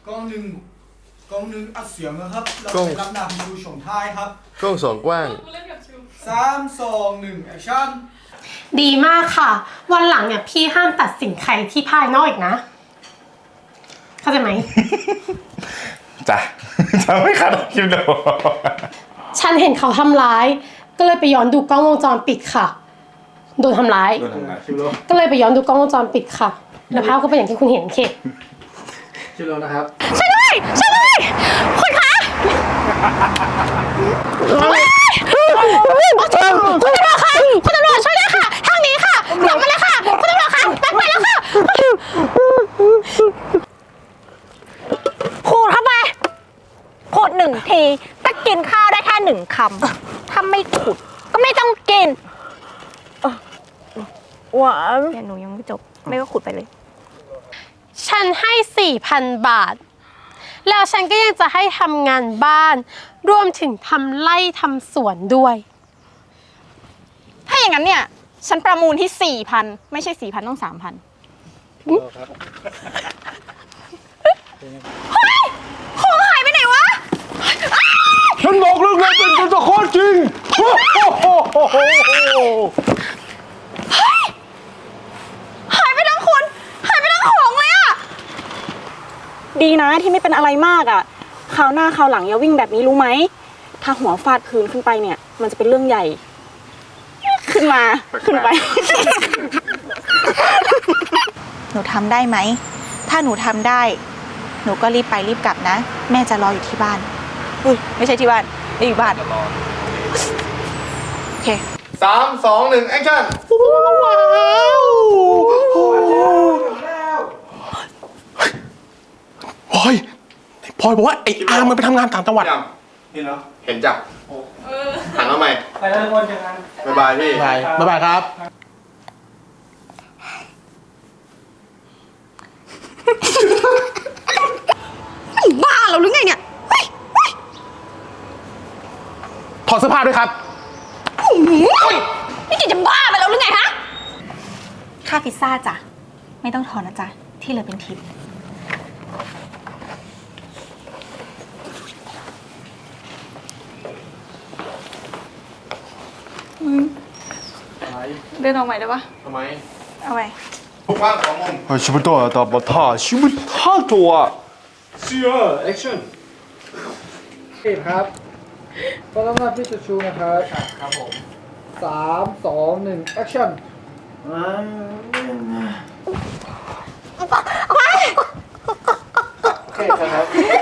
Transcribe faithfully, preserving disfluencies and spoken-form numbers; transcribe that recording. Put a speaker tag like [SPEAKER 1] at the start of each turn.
[SPEAKER 1] กล้องหนึ่งกล้องหนึ่งอัดเสียงนะครับเราจะรับนำดูชมท้ายครับ
[SPEAKER 2] กล้องสองกว้าง
[SPEAKER 1] สามสองหนึ่งแอคชั่น
[SPEAKER 3] ดีมากค่ะวันหลังเนี่ยพี่ห้ามตัดสินใครที่ภายนอกอีกนะเข้าใจไหม
[SPEAKER 4] จ้ะจะไม่ขัดคลิปเดียว
[SPEAKER 3] ฉันเห็นเขาทำร้ายก็เลยไปย้อนดูกล้องวงจรปิดค่ะโดนทำร้ายก็เลยไปย้อนดูกล้องวงจรปิดค่ะแล้วภาพก็เป็นอย่างที่คุณเห็นเค
[SPEAKER 1] ชิโร่นะครับ
[SPEAKER 3] ช่วยด้วยช่วยด้วยคุณคะคุณตำรวจค่ะคุณตำรวจช่วยด้วยค่ะทางนี้ค่ะกลับมาเลยค่ะคุณตำรวจค่ะแป๊บไปแล้วค่ะ
[SPEAKER 5] ขูดเข้าไปขูดหนึ่งทีถ้ากินข้าวได้แค่หนึ่งคำถ้าไม่ขูดก็ไม่ต้องกินหวานเดี๋ยวหนูยังไม่จบไม่ก็ขูดไปเลย
[SPEAKER 3] ฉันให้ สี่พัน บาทแล้วฉันก็ยังจะให้ทำงานบ้านรวมถึงทำไร่ทำสวนด้วย
[SPEAKER 5] ถ้าอย่างนั้นเนี่ยฉันประมูลที่ สี่พัน ไม่ใช่ สี่พัน ต้อง สามพัน เฮ้ยของหายไปไหนวะ
[SPEAKER 4] ฉันบอกเรื่องอะไรเป็นจริงข้อจริงเ
[SPEAKER 5] ฮ้ยหายไปทั้งคนหายไปทั้งของเลยอะดีนะที่ไม่เป็นอะไรมากอะคราวหน้าคราวหลังอย่าวิ่งแบบนี้รู้ไหมถ้าหัวฟาดพื้นขึ้นไปเนี่ยมันจะเป็นเรื่องใหญ่ขึ้นมาขึ้นไป
[SPEAKER 6] หนูทำได้ไหมถ้าหนูทำได้หนูก็รีบไปรีบกลับนะแม่จะรออยู่ที่บ้านอุ้ยไม่ใช่ที่บ้านไม่อยู่บ้านโอเค
[SPEAKER 2] สามสองหนึ่งแอคชั่น
[SPEAKER 3] ว้าว
[SPEAKER 4] พลอยพลอยบอกว่าไอ้อาร์มมันไปทำงานต่างจังหวัด
[SPEAKER 1] เห็นเหรอ
[SPEAKER 2] เห็นจ้ะหันมาใหม่
[SPEAKER 1] ไปแล้วทุกคนเจอกัน
[SPEAKER 2] บ๊ายบายพี่
[SPEAKER 4] บายบ๊ายบายครับ
[SPEAKER 5] บ้าเราหรือไงเนี่ย
[SPEAKER 4] ถอดเสื้อผ้าด้วยครับ
[SPEAKER 5] นี่แกจะบ้าไปแล้วหรือไงฮะ
[SPEAKER 6] ค่าพิซซ่าจ้ะไม่ต้องถอนนะจ๊ะที่เหลือเป็นทิป
[SPEAKER 5] เดินออกใหม่ได้ปะ
[SPEAKER 2] ทำไม
[SPEAKER 5] เอาใหม่
[SPEAKER 2] กว้างสองมุม
[SPEAKER 4] 아 시부터 나 뭐타 시부터 좋아
[SPEAKER 1] เชียร์แอคชั่นเอ็ดครับก็ต้องมาพี่ชูชูนะครับครับผมสามสองหนึ่งแอคชั่นโอเคครับ